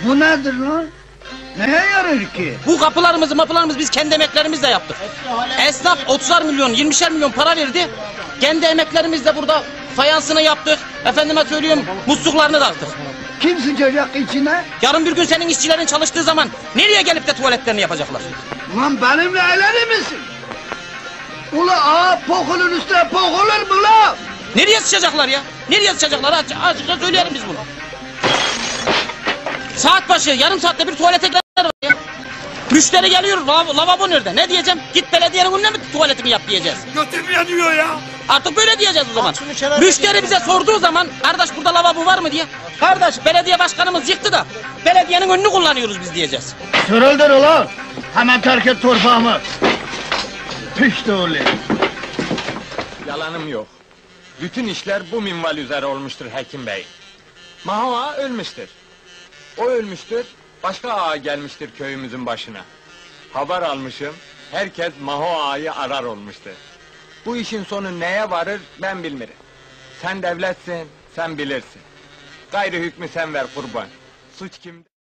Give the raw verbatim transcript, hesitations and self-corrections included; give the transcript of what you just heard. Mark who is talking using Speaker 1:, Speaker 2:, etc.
Speaker 1: Bu nedir lan? Neye yarar ki?
Speaker 2: Bu kapılarımızı mapılarımızı biz kendi emeklerimizle yaptık. Esnaf otuzar milyon, yirmişer milyon para verdi. Kendi emeklerimizle burada fayansını yaptık. Efendime söylüyorum, musluklarını taktık.
Speaker 1: Kim sıcacak içine?
Speaker 2: Yarın bir gün senin işçilerin çalıştığı zaman nereye gelip de tuvaletlerini yapacaklar?
Speaker 1: Ulan benimle eğlenir misin? Ula ağa pokulun üstüne pokulur mu la?
Speaker 2: Nereye sıçacaklar ya? Nereye sıçacaklar? Aç, açıkça söyleyelim biz bunu. Saat başı, yarım saatte bir tuvalete gidenler var ya. Müşteri geliyor, lav lavabo nerede? Ne diyeceğim? Git belediyenin önüne mi tuvaletini yap diyeceğiz.
Speaker 3: Götüm yanıyor ya.
Speaker 2: Artık böyle diyeceğiz o zaman. Müşteri bize sorduğu zaman, kardeş burada lavabo var mı diye. Kardeş belediye başkanımız yıktı da, belediyenin önünü kullanıyoruz biz diyeceğiz.
Speaker 1: Sırıldır ulan! Hemen terk et torpağımı! Pişti oğlum!
Speaker 3: Yalanım yok. Bütün işler bu minval üzere olmuştur Hekim Bey. Maho ağa ölmüştür. O ölmüştür, başka ağa gelmiştir köyümüzün başına. Haber almışım, herkes Maho ağayı arar olmuştur. Bu işin sonu neye varır ben bilmirim. Sen devletsin, sen bilirsin. Gayrı hükmü sen ver kurban. Suç kimde?